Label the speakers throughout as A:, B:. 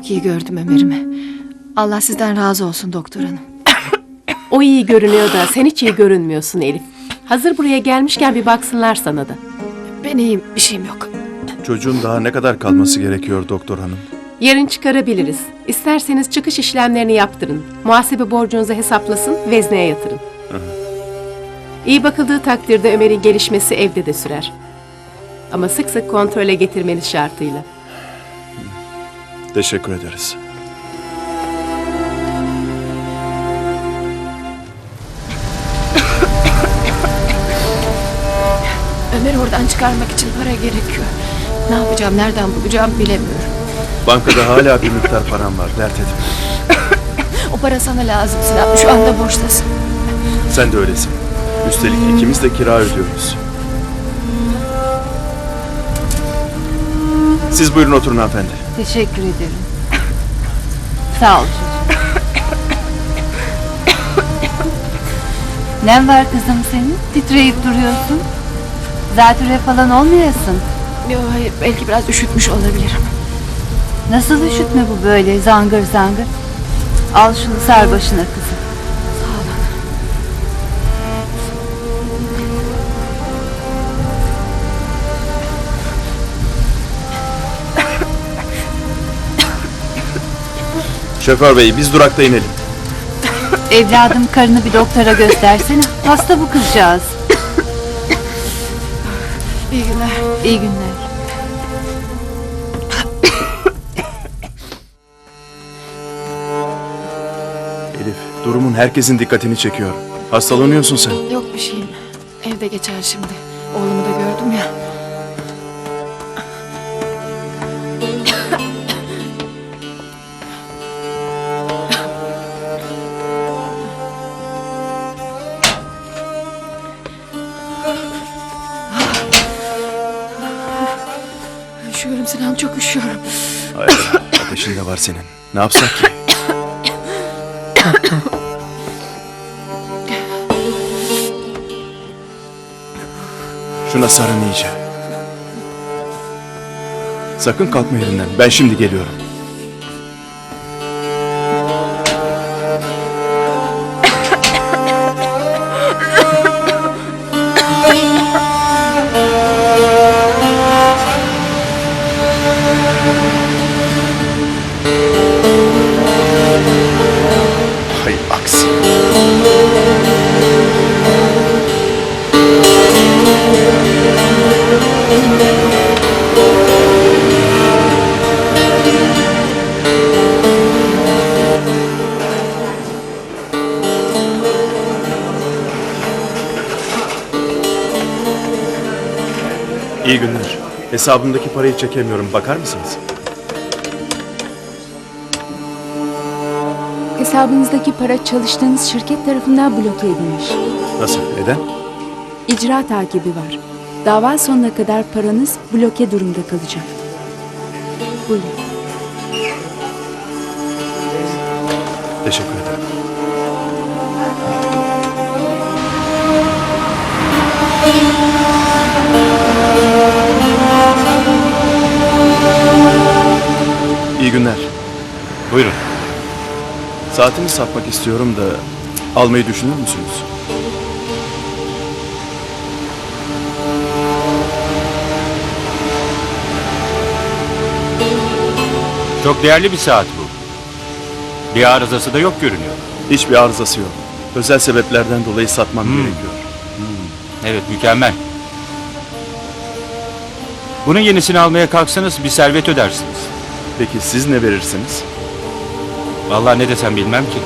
A: Çok iyi gördüm Ömer'imi. Allah sizden razı olsun doktor hanım.
B: O iyi görünüyor da sen hiç iyi görünmüyorsun Elif. Hazır buraya gelmişken bir baksınlar sana da.
A: Ben iyiyim, bir şeyim yok.
C: Çocuğun daha ne kadar kalması gerekiyor doktor hanım?
B: Yarın çıkarabiliriz. İsterseniz çıkış işlemlerini yaptırın. Muhasebe borcunuzu hesaplasın, vezneye yatırın. İyi bakıldığı takdirde Ömer'in gelişmesi evde de sürer. Ama sık sık kontrole getirmeniz şartıyla.
C: Teşekkür ederiz.
A: Ömer'i oradan çıkarmak için para gerekiyor. Ne yapacağım, nereden bulacağım bilemiyorum.
C: Bankada hala bir miktar param var, dert etme.
A: O para sana lazım Sinan, şu anda borçtasın.
C: Sen de öylesin. Üstelik ikimiz de kira ödüyoruz. Siz buyurun oturun hanımefendi.
D: Teşekkür ederim. Sağ ol çocuğum. Ne var kızım senin? Titreyip duruyorsun. Zatürre falan olmayasın.
A: Yok hayır, belki biraz üşütmüş olabilirim.
D: Nasıl üşütme bu böyle zangır zangır? Al şunu sar başına kızım.
A: Sağ olun.
C: Şoför bey biz durakta inelim.
D: Evladım karını bir doktora göstersene. Hasta bu kızcağız.
A: İyi günler.
D: İyi günler.
C: Elif, durumun herkesin dikkatini çekiyor. Hastalanıyorsun sen.
A: Yok bir şeyim. Evde geçer şimdi. Oğlumu da gördüm ya. Üşüyorum Sinan, çok üşüyorum.
C: Hayır, ateşin de var senin. Ne yapsak ki? Şuna sarın iyice. Sakın kalkma yerinden. Ben şimdi geliyorum. Hay aksi. İyi günler. Hesabımdaki parayı çekemiyorum. Bakar mısınız?
E: Hesabınızdaki para çalıştığınız şirket tarafından bloke edilmiş.
C: Nasıl? Neden?
E: İcra takibi var. Dava sonuna kadar paranız bloke durumda kalacak. Buyurun.
C: Teşekkür ederim. İyi günler.
F: Buyurun.
C: Saatimi satmak istiyorum da almayı düşünür müsünüz?
F: Çok değerli bir saat bu. Bir arızası da yok görünüyor.
C: Hiçbir arızası yok. Özel sebeplerden dolayı satmam gerekiyor.
F: Evet, mükemmel. Bunun yenisini almaya kalksanız bir servet ödersiniz.
C: Peki siz ne verirsiniz?
F: Vallahi ne desem bilmem ki.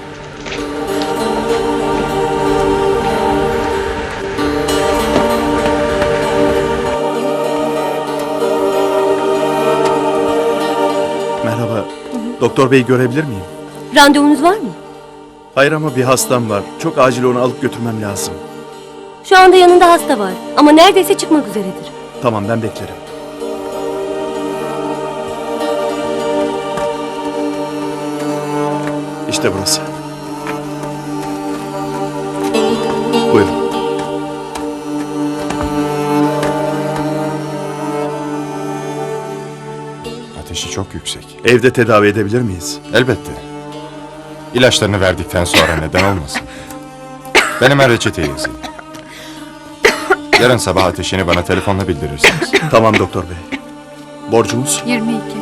C: Merhaba. Doktor bey görebilir miyim?
G: Randevunuz var mı?
C: Hayır ama bir hastam var. Çok acil onu alıp götürmem lazım.
G: Şu anda yanında hasta var ama neredeyse çıkmak üzeredir.
C: Tamam ben beklerim. İşte burası. Buyurun.
H: Ateşi çok çok yüksek.
C: Evde tedavi edebilir miyiz?
H: Elbette. İlaçlarını verdikten sonra neden olmasın? Ben hemen reçete yazayım. Yarın sabah ateşini bana telefonla bildirirsiniz.
C: Tamam doktor bey. Borcumuz?
E: 22.